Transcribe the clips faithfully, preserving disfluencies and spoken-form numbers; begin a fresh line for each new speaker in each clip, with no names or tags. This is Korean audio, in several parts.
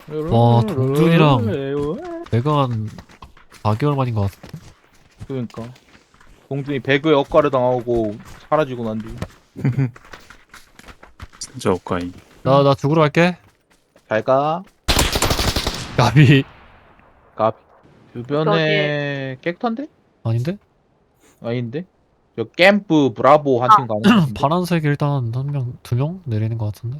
와, 동준이랑 내가 한 사 개월 만인 것 같은데.
그러니까 동준이 배그에 억가를 당하고 사라지고 난 뒤.
진짜 억까이.
나, 나 죽으러 갈게.
잘가.
가비.
가. 주변에 객터인데?
아닌데?
아닌데? 저 캠프 브라보 한 팀 가는 거 같은데?
파란색 일단 한 명, 두 명 내리는 것 같은데.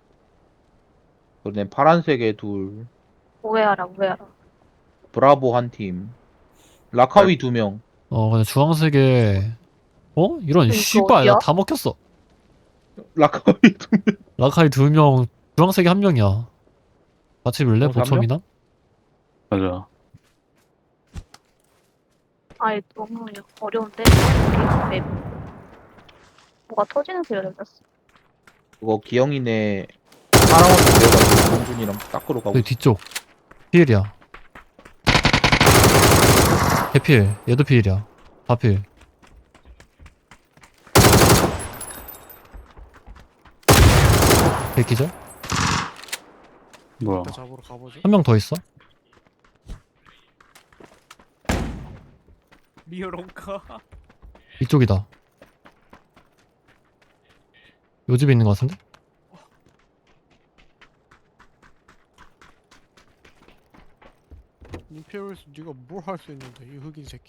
그러네. 파란색에 둘,
오해하라, 오해하라.
브라보 한 팀, 라카위 두 명.
어, 근데 주황색에, 어? 이런,
이거
씨발,
어디야?
나 다 먹혔어.
라카위 두 명.
라카이 두 명, 주황색이 한 명이야. 같이 밀래?
어, 한
보첨이나?
맞아.
아이, 너무 어려운데? 여기 맵. 뭐가 터지는 소리가 들렸어.
그거 기영이네 사랑한테 내려가지고 동준이랑 닦으러 가고
내
있어.
뒤쪽. 피일이야. 개필. 얘도 피일이야. 다 필. 개기절?
뭐야?
잡으러 가보죠.
한 명 더 있어?
미어롱카.
이쪽이다. 요 집에 있는 것 같은데?
임페리얼스 네가 뭘 할 수 있는데 이 흑인 새끼.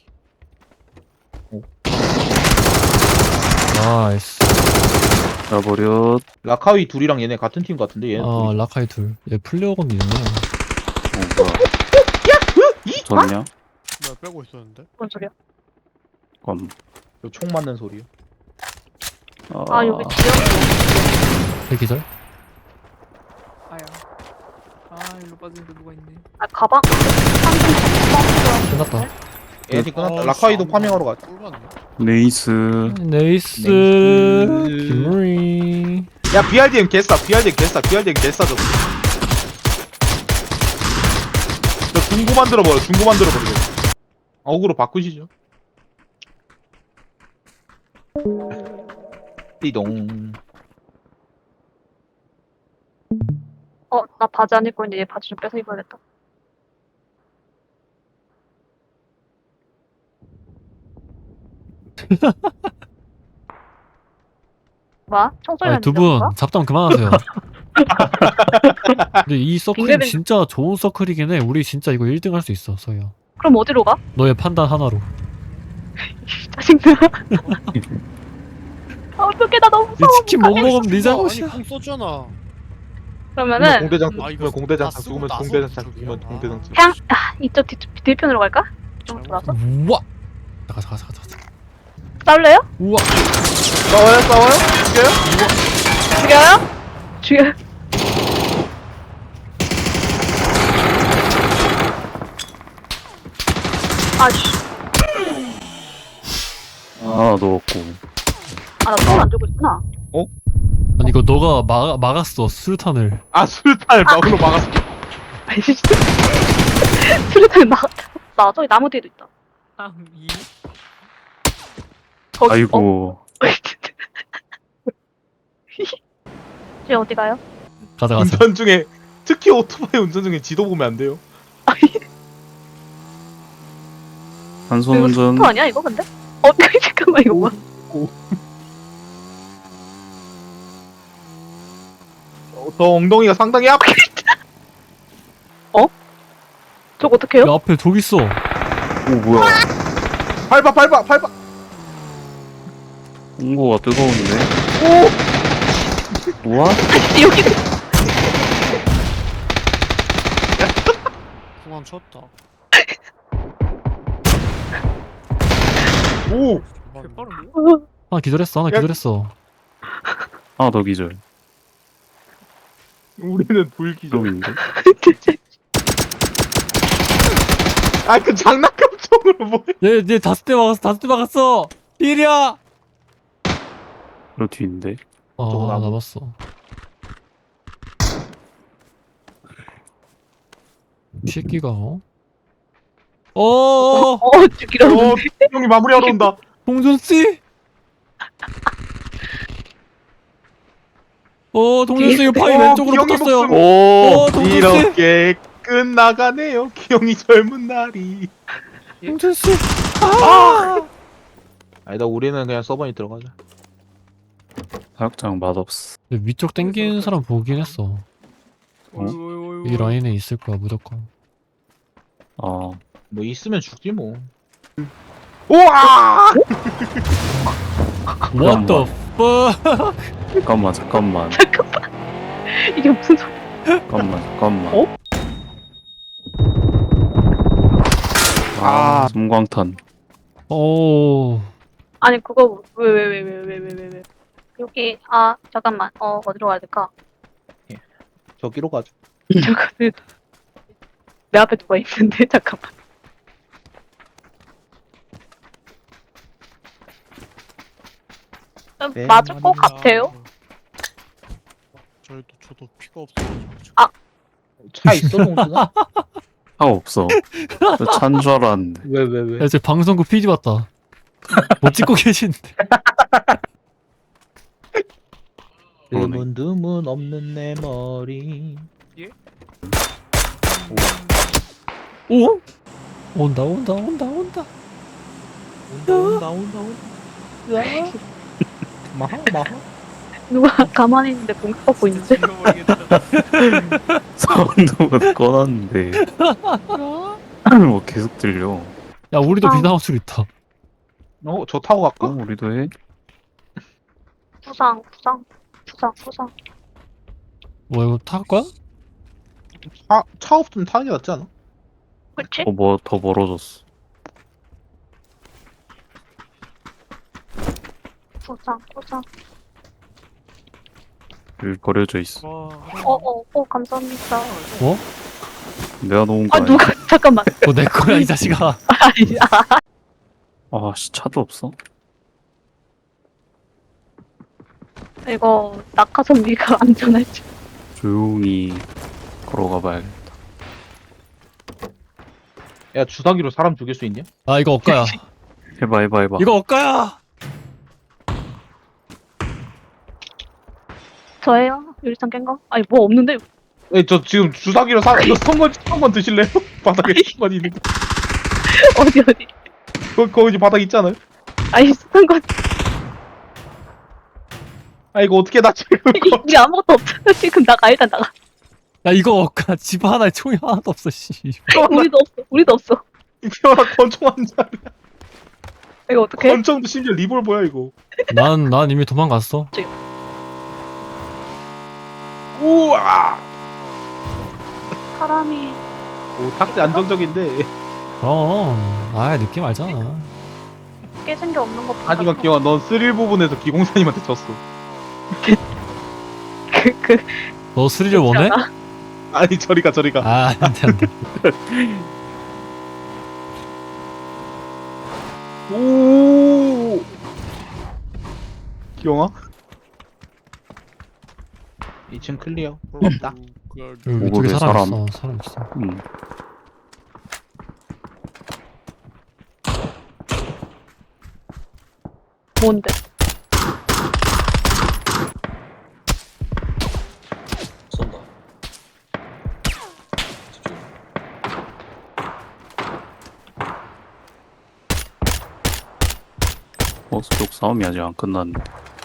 나이스.
나버렸.
라카위 둘이랑 얘네 같은 팀 같은데 얘네
아,
둘이.
라카이 둘. 얘 플레어건도 있네.
어 뭐야? 졌냐?
뭐야 빼고 있었는데?
뭔 소리야?
검.
저총 맞는 소리요.
아,
아, 여기 지역이.
개기절?
아야. 아 일로 빠지는데 누가 있네.
아, 가방? 상점
끝났다.
얘네 팀 끝났다.
아,
라카위도
씨,
파밍하러 가자.
꿀받네.
네이스.
네이스.
네이스.
김무리.
야 비알디엠 개싸. 비알디엠 개싸. 비알디엠 개싸 저거. 저 중고 만들어버려. 중고 만들어버려. 어그로 바꾸시죠. 띠동.
어, 나 바지 안 입고 있는데 얘 바지 좀 뺏어 입어야겠다. 뭐? 총소리
아,
나는
두 분 잡담 그만하세요. 근데 이 서클
빙글빙글.
진짜 좋은 서클이긴 해. 우리 진짜 이거 일 등 할 수 있어, 서희야.
그럼 어디로 가?
너의 판단 하나로.
짜증나. 아, 어떡해, 나 너무
이
무서워.
치킨 못 먹으면 네
아니
잘못이야.
공 썼잖아.
그러면은,
공대장
아, 이거
죽으면 공대장
다 쓰고
죽으면
나서
공대장
저기요?
죽으면
아.
공대장 죽.
그냥, 아, 이쪽 뒤, 뒤편으로 갈까? 좀 돌아서?
우와. 잠깐, 잠깐, 잠깐, 잠깐.
싸울래요?
우와.
싸워요 싸워요? 죽여요?
죽여요? 죽여요? 아씨,
하나 넣었고.
아, 나 손을 안 주고 있구나.
아니 이거 너가 막 막았어 수류탄을.
아 술탄을 막으로 막았어.
아니, 진짜. 수류탄 나갔다. 나 저기 나무 뒤에도 있다.
이.
거기,
아이고.
어? 이제 어디 가요?
가자 가자.
운전 중에 특히 오토바이 운전 중에 지도 보면 안 돼요.
한손
이거
운전.
스포 아니야 이거 근데? 어 잠깐만 이거 뭐야?
어, 저 엉덩이가 상당히 아파.
저거 어떡해요?
야 앞에 독 있어.
오 뭐야?
밟아 밟아 밟아.
홍고가 뜨거운데.
오.
뭐야?
아니 여기
중앙 쳤다.
오.
개빠른데?
하나 기절했어. 하나
야.
기절했어.
하나 더 기절.
우리는 불기죠.
좀인데.
아그 장난감 총으로 뭐해?
얘얘 다섯 대 막았어. 다섯 대 막았어. 일이야.
저 뒤인데.
아
저거 나무.
남았어. 이 새끼가 어? 어.
어 죽이려
어 형이 마무리하러 온다.
봉준 씨. 어 동료씨 이거 파이
어,
왼쪽으로
기영이
붙었어요.
목숨.
어 동료씨.
이렇게 끝나가네요. 기영이 젊은 날이.
동료씨.
아니다 우리는 그냥 서버니 들어가자.
사육장 맛없어.
근데 위쪽 땡기는 사람 보긴 했어.
어이구,
이 라인에 있을 거야 무조건.
어.
뭐 있으면 죽지 뭐. 우와!
What the fuck?
잠깐만 잠깐만
이게 무슨 소리?
잠깐만 잠깐만.
어?
아 섬광탄.
오.
아니 그거 왜 왜 왜 왜 왜 왜 왜 왜 여기 아 잠깐만 어 어디로 가야 될까?
저기로 가자.
잠깐만 내 앞에 누가 있는데 잠깐만. 음,
네,
맞을 것 같아요.
저희도 저도 피가 없어가지고 지금.
차 있어 동준아?
아 없어. 찬 줄 알았는데.
왜 왜 왜?
야, 제 방송국 피지 봤다. 못 찍고 계신데.
그러네.
드문드문 없는 내 머리.
오? 온다 온다 온다 온다.
온다 온다 온다 온다. 마하 마하.
누가 가만히 있는데 공격받고 있는데?
죽여버리겠다.
사운드만 꺼놨는데 뭐 계속 들려.
야 우리도
아.
비상호 술 있다.
어, 저 타고
어
갈까?
우리도 해?
부상 부상 부상 부상.
뭐 이거 탈 거야?
차, 차 없으면 타는 게 낫지 않아?
그치?
어 뭐 더 멀어졌어.
부상 부상.
여기 버려져 있어.
와.
어어 어, 감사합니다.
뭐?
내가 놓은 거
아
아니야?
누가 잠깐만.
뭐 내 거야 이 자식아.
아니 아,
아씨 차도 없어?
이거 낙하선비가 안전할지.
조용히 걸어가 봐야겠다.
야, 주사기로 사람 죽일 수 있냐?
아 이거 엇가야.
해봐 해봐 해봐.
이거 엇가야.
저예요? 유리창 깬 거? 아니 뭐 없는데?
에, 저 지금 주사기로 사람 이거 선건 한번 드실래요? 바닥에 선건 있는 거.
어디 어디?
거 거기 바닥 있잖아요.
아니 쓰는 거
아 이거 어떻게 나 지금 이거.
우리 아무것도 없잖아 지금. 나가 일단 나가.
야 이거 엇가. 집 하나에 총이 하나도 없어 씨.
우리도 없어 우리도 없어.
피어나 권총 한 잔.
이거 어떡해?
권총도 심지어 리볼버야 이거.
난 난 이미 도망갔어.
우와.
사람이
오, 탁대 안정적인데.
어. 아 느낌 알잖아.
깨진 게 없는 것 같아.
하지만 기영아, 넌 스릴 부분에서 기공사님한테 졌어.
그그
너 스릴을 원해?
아니 저리가 저리가.
아 안돼 안돼.
오. 기영아. 이 층 클리어. 없다.
여기 위쪽에
오골에
사람
사람.
있어. 사람 있어.
음.
뭔데?
쏜다. 집중.
버스 쪽 싸움이 아직 안 끝났는데.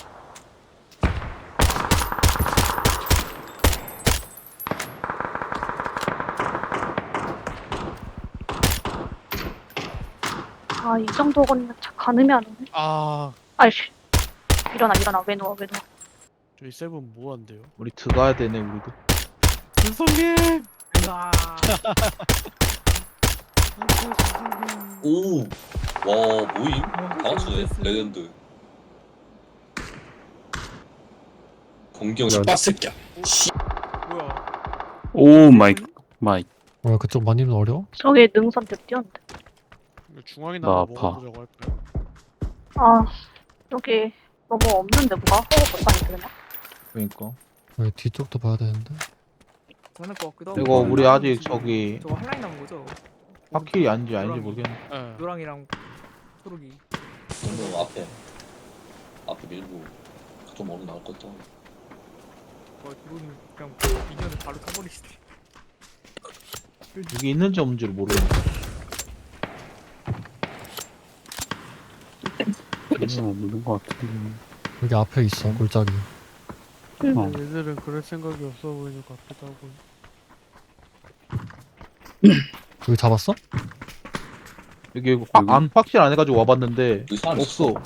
아 이 정도는 가늠이 안 오네.
아,
아이씨. 일어나 일어나 왜 누워 왜 누워.
저희 세븐 뭐 한대요?
우리 들어가야 되네 우리도.
윤성님. 아.
오! 와, 모임? 다 맞추네. 레전드. 공경 빡새끼야.
뭐야?
오 마이 마이.
뭐야 그쪽 많이 어려워?
저기 능선 벽 뛰었는데.
이거 중앙이나
나
한번
아파.
먹어보자고 할까요?
아 여기 너무 없는데 뭐가 허거 못하니 되나?
그러니까.
여기 뒤쪽도 봐야 되는데.
괜찮을 것 같기도 하고.
이거 우리 아직
지금
저기
저거 한 라인 남은 거죠?
파킬이 아닌지 아닌지 모르겠네.
예. 노랑이랑 초록이.
공경 앞에. 앞에 밀고. 좀 멀리 나올 것도.
와 드론이 그냥 미니언을 바로 쳐버리시네.
여기 있는지 없는지를 모르겠네.
그냥 없는 것 같은데.
여기 앞에 있어 골짜기.
어.
얘들은 그럴 생각이 없어 보이는 것 같기도 하고.
여기 잡았어?
여기 확,
여기?
안 확실 안 해가지고 와봤는데
여기 사람
없어.
있어.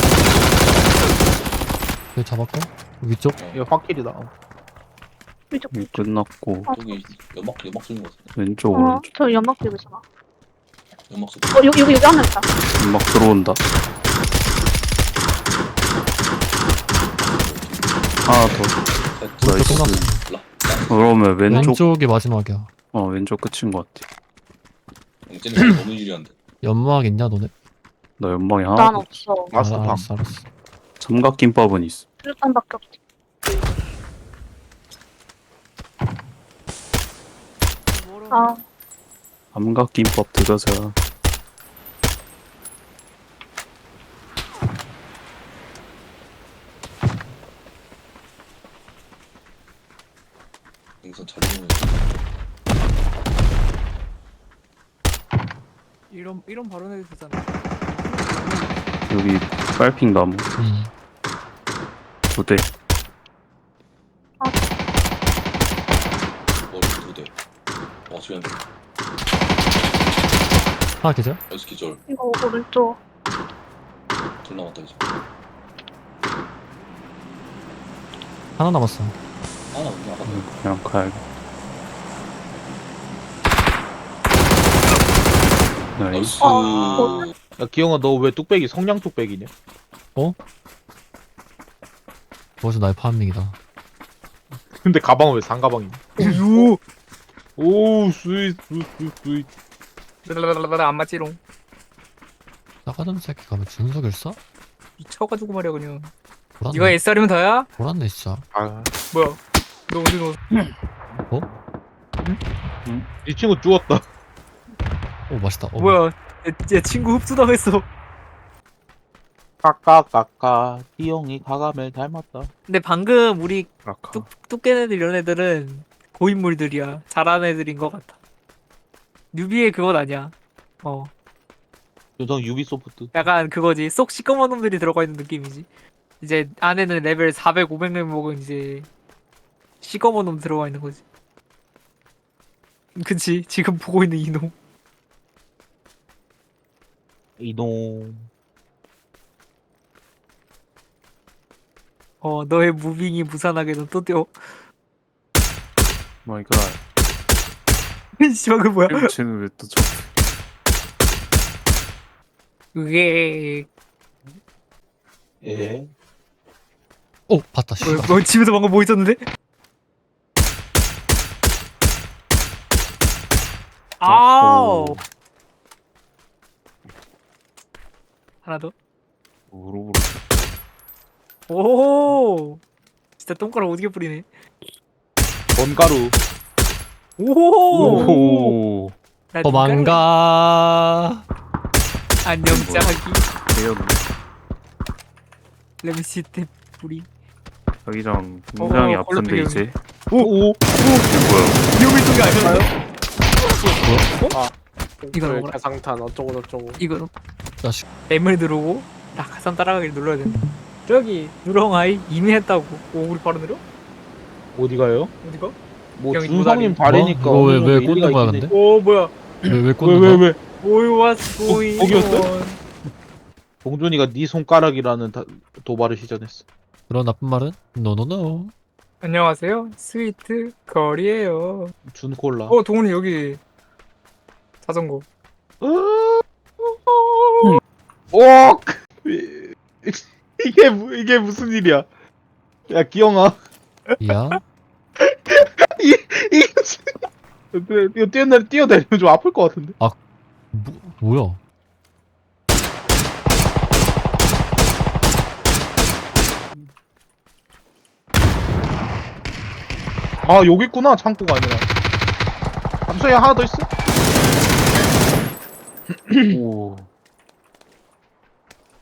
여기 잡았고 위쪽.
이거 확실이다.
이쪽.
이미 끝났고
저기 연막 연막 쏘는 거 같은데.
왼쪽
어,
오른쪽
저 연막 들고 있잖아.
연막 쏘.
어, 여기, 여기, 여기 하나 있다.
막 들어온다. 하나 더.
오른쪽
나이스.
끝났어.
라. 라.
그러면 왼쪽
왼쪽이 마지막이야.
어 왼쪽 끝인 것 같아.
쟤는 너무 유리한데.
연막 있냐 너네?
나 연방이 하나.
난 없어.
마스터팜.
아, 알았어 알았어.
삼각김밥은 있어.
수류탄밖에 없지. 아,
삼각김밥 드가자.
여기서 잘 보면
이런 이런 발언해도 되잖아.
여기 빨핑 나무
음.
두 대.
머리 두 대. 와 지금
하나 계절?
여섯 기절
이거 오른쪽.
둘 남았다 이제.
하나 남았어.
하나 없네 아까.
그냥 가야겠다. 나이스.
나이스.
어,
야 기영아 너 왜 뚝배기 성냥 뚝배기냐?
벌써 나의 파밍이다.
근데 가방은 왜 상가방이냐?
유.
오 스윗 스윗 스윗 스윗.
라라라라 안 맞지롱.
나가던 새끼가 왜 준석을 쏴?
미쳐가지고 말이야 그냥.
돌았네.
네가 에스알이면 다야?
돌았네 진짜.
아,
뭐야? 너 어디 넣었어?
이 친구 죽었다.
오 맛있다. 어,
뭐야? 얘, 얘 친구 흡수당했어.
까까까까 기영이 가감을 닮았다.
근데 방금 우리
라카.
뚝 뚝깨네들 이런 애들은 고인물들이야. 잘하는 애들인 것 같아. 뉴비의 그건 아니야. 어,
요성 유비소프트.
약간 그거지. 쏙 시꺼먼 놈들이 들어가 있는 느낌이지. 이제 안에는 레벨 사백, 오백 레벨 먹은 이제 시꺼먼 놈 들어가 있는 거지. 그치? 지금 보고 있는 이놈.
이동.
어, 너의 무빙이 무산하게 넌 또 뛰어.
마이 갓.
씨발 그 뭐야?
쟤는 왜 또 저?
그게
예.
오 봤다. 씨.
뭐, 뭐 집에서 방금 뭐 있었는데? 아우
오.
하나 더.
우르르.
오 진짜 똥가락 오지게 뿌리네.
번가루.
오
오.
나 눈가락-
도망가.
안녕 짜기
대연.
렘시테 뿌리.
자기장 굉장히
어,
아픈데
걸로
이제.
오 오.
이게 뭐야?
위험한 쪽이 아니었나요? 이거
이거
먹어라.
가상탄 어쩌고 저쩌고.
이거
자식.
M을 누르고 낙하산 따라가기를 눌러야 된다. 저기 누렁아이 이미 했다고. 오 우리 바로 내려?
어디 가요?
어디가?
뭐
형이
준성님
도다리.
다리니까.
뭐? 이거 왜-
어느
왜
정도
꽂는
일리가
거야,
있긴
근데?
해.
오 뭐야?
왜왜
왜
꽂는
왜
거야?
왜?
오이 what's going
거기였어?
on?
봉준이가 네 손가락이라는 다, 도발을 시전했어.
그런 나쁜 말은 노노노.
안녕하세요. 스위트 거리에요.
준콜라.
어 동훈이 여기 자전거.
오! 이게 무- 이게 무슨 일이야? 야 기영아,
야.
이게 무슨? 일이야? 이거 뛰어내 뛰어내리면 좀 아플 것 같은데.
뭐, 뭐야?
아 여기 있구나, 창고가 아니라. 잠수야 하나 더 있어?
오.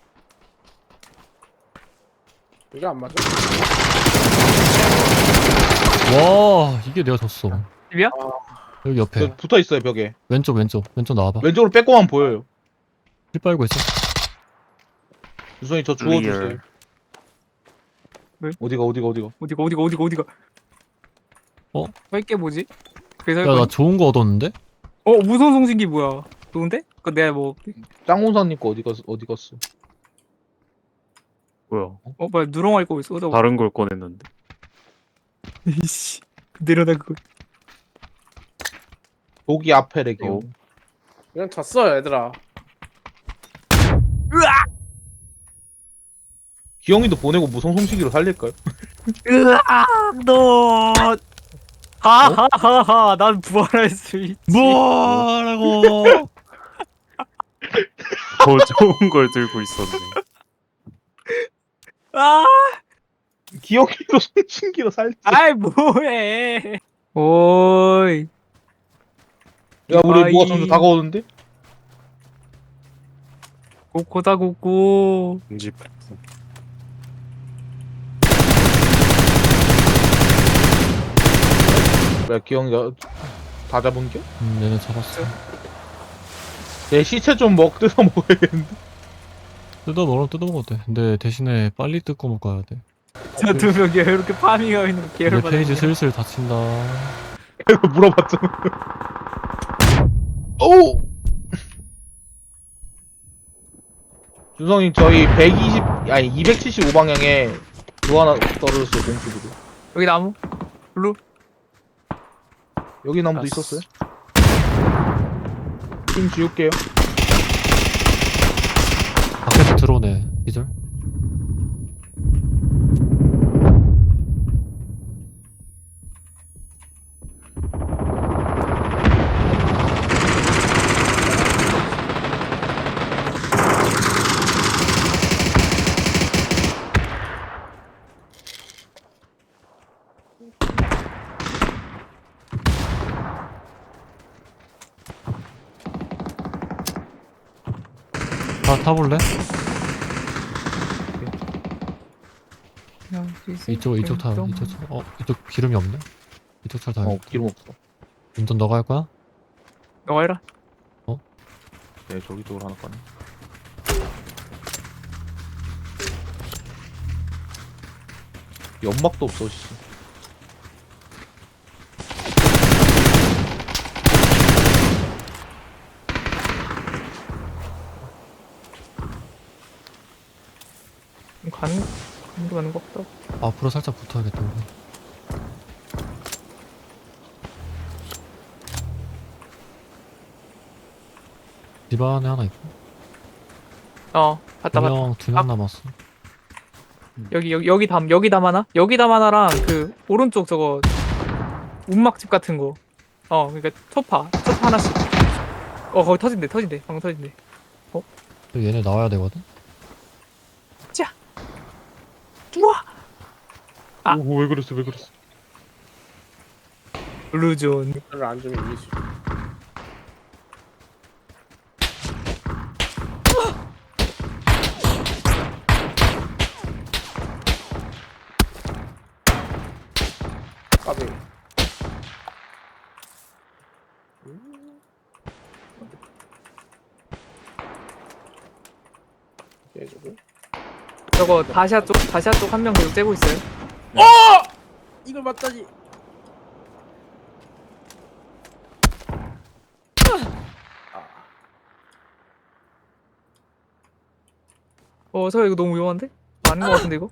이게 안 맞아?
와 이게 내가 졌어.
집이야?
여기 옆에
저 붙어 있어요 벽에.
왼쪽 왼쪽 왼쪽 나와봐.
왼쪽으로 빼고만 보여요.
힐 빨고 있어.
유선이 저 주워주세요.
리얼.
어디가 어디가 어디가.
어디가 어디가 어디가 어디가?
어?
할게 뭐지? 그래서
야 나 좋은 거 얻었는데?
어 무선 송신기 뭐야? 좋은데? 그 내가 뭐
짱훈사님 거 어디 갔어? 어디 갔어?
뭐야?
어 뭐야 누렁할 거 있어? 나
다른 걸 꺼냈는데.
이씨 내려놔 그거.
독이 앞에 레기요.
어.
그냥 졌어 얘들아.
기영이도 보내고 무성 송시기로 살릴까요?
으아 너. 하하하하 난 부활할 수 있지.
뭐라고?
더 좋은 걸 들고 있었네.
아,
기영이도 송신기로 살릴.
아이 뭐해? 오이.
야 우리
아이.
뭐가 점점 다가오는데?
고코다 고코.
집.
야 기영이가 다 잡은 게?
음 얘네 잡았어.
내 시체 좀 먹 뜯어 먹어야겠는데.
뜯어 먹으면 뜯어 먹어도 돼. 근데 대신에 빨리 뜯고 먹어야 돼.
저 두 명이 이렇게 파밍하고 있는 거
내
개를 받아.
페이지 슬슬 닫힌다.
이거 물어봤잖아. 오! 준성님 저희 백이십 아니 이백칠십오 방향에 그거 하나 떨어졌어요 공수들이.
여기 나무. 블루.
여기 나무도
아,
있었어요? 좀 지울게요.
밖에서 들어오네. 기절. 다 타볼래? 이쪽 이쪽 타 이쪽 차. 어 이쪽 기름이 없네. 이쪽 차 타.
어 기름 없어.
운전 너가 할 거야?
너가 해라.
네 저기 쪽으로 하나 꺼내. 연막도 없어 씨.
가는 가는 게 맞는 거 없다.
앞으로 살짝 붙어야겠다 우리. 집 안에 하나 있고
어 봤다 봤다.
두명두 명
아.
남았어.
여기 여기 여기 담 여기 담 하나? 여기 담 하나랑 그 오른쪽 저거 운막집 같은 거. 어 그러니까 초파 초파 하나씩. 어 거기 터진대 터진대 방금 터진대.
얘네 나와야 되거든.
우와. 아.
오, 왜 그랬어 왜 그랬어.
블루존.
별로 안 주면 이기지. 까비. 해주고.
저거 다시아 쪽 다시아 쪽 한 명 계속 째고 있어요.
이걸 맞다니.
어 저 이거 너무 위험한데? 아닌 거 같은데 이거?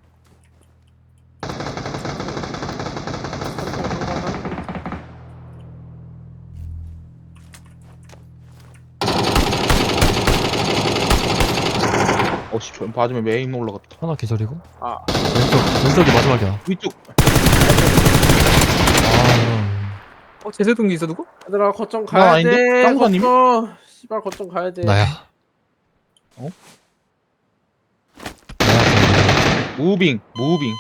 어씨 저 맞으면 메인 올라갔다.
하나 기절이고.
아.
왼쪽 왼쪽이 마지막이야.
위쪽.
아
어 제세동기 있어 누구?
얘들아 거점
나
가야
아닌데?
돼.
짱구사님이?
거점. 씨발 거점 가야 돼.
나야.
어? 무빙 무빙.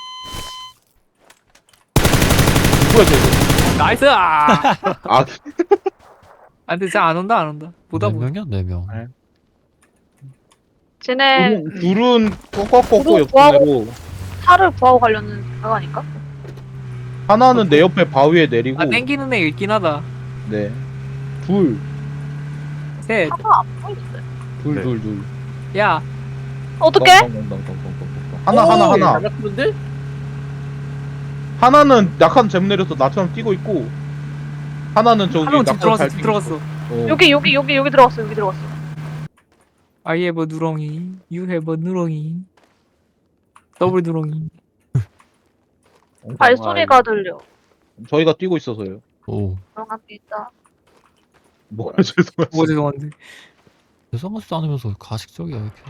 누구야 쟤?
나이스! 아!
아
아 근데 진짜 안 온다 안 온다. 보다
네
보다.
명이야 네 명.
네.
쟤네
둘은, 둘은 꺾꺾꺾고
구독
옆으로
차를 구하고 가려는 그거 아닐까?
하나는 내 옆에 바위에 내리고
아 땡기는 애 있긴 하다.
네. 둘,
셋.
차가 안 보이는데.
둘,
네.
둘, 둘.
야.
어떻게?
덩덩덩덩덩덩덩덩. 하나, 하나, 하나.
잘 맞추는데?
하나는 약한 잼 내려서 나처럼 뛰고 있고, 하나는 저기
한명 집
나처럼
들어갔어.
잘
집
뛰고
들어갔어.
있어. 어.
여기 여기 여기 여기 들어갔어. 여기 들어갔어.
I have a 누렁이. You have a 누렁이. 더블 누렁이.
발소리가 들려.
저희가 뛰고 있어서요.
오
죄송합니다.
뭐 죄송해요.
뭐 죄송한데.
죄송하지도 않으면서 가식적이야 이렇게.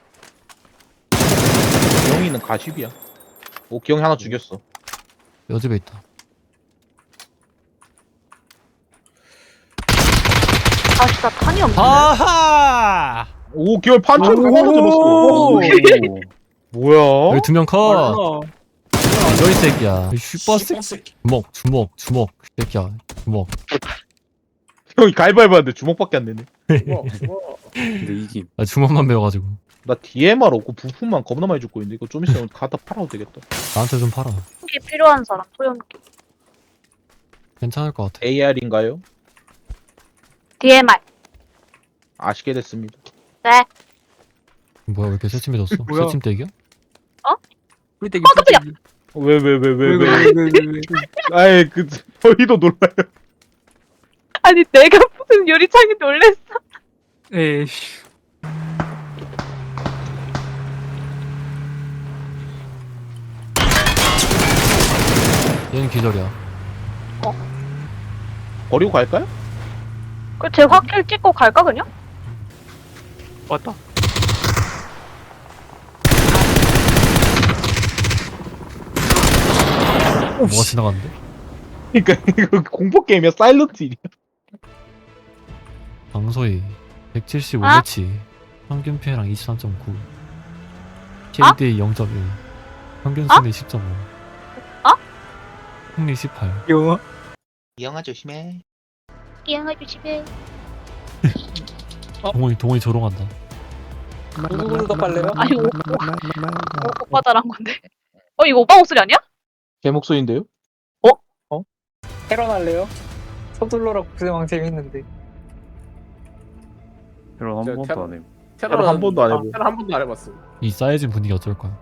기영이는 가십이야. 오, 기영이 하나 죽였어.
여집에 있다.
다시 다 탄이 없네.
아하!
오, 기영이 판처럼
오.
하나 잡았어.
오.
뭐야?
여기 두 명 컷.
어.
너이 새끼야. 이 슈퍼스
새끼.
주먹 주먹 주먹 이 새끼야 주먹.
형이 가위바위보 하는데 주먹밖에 안 되네.
뭐, 뭐.
근데 이게
나 주먹만 배워가지고
나 디엠알 없고 부품만 겁나 많이 죽고 있는데 이거 좀 있으면 갖다 팔아도 되겠다.
나한테 좀 팔아.
소염기 필요한 사람 소염기.
괜찮을 것 같아.
에이알인가요?
디엠알.
아시게 됐습니다.
네.
뭐야 왜 이렇게 새침해졌어?
뭐야?
새침대기야?
우리 때
어, 깜짝이야.
왜 왜 왜 왜 왜?
왜왜왜왜
아이 그 저희도 놀라요.
아니 내가 무슨 유리창에 놀랬어.
에이.
얘는 기절이야.
버리고 갈까요?
그제 확킬 찍고 갈까 그냥?
왔다.
뭐가 지나갔는데?
그러니까 이거 공포 게임이야. 사일런트 일이야.
방소희 백칠십오
아?
매치 평균 피해량 이십삼 점 구 케이디 영 점 일 평균 승리 십 점 오
아?
승리 십팔.
영화.
이영아 조심해.
이행해 주시게.
동원이 동원이 조롱한다.
누구도 빨래요?
아니 오, 오, 오, 오빠 잘한 건데. 어 이거 오빠 목소리 아니야?
제 목소리인데요?
테런 할래요? 서둘러라 국세왕 재밌는데.
이런 한
저
번도
테러-
안 해.
테러는
한 번도 안 해보.
테러 한 번도 안 해봤어.
이 쌓여진 분위기 어쩔 거야?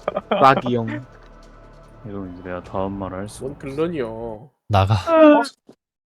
락이 형.
이러면 이제 내가 다음 말을 할 수.
뭔 글런이요.
나가.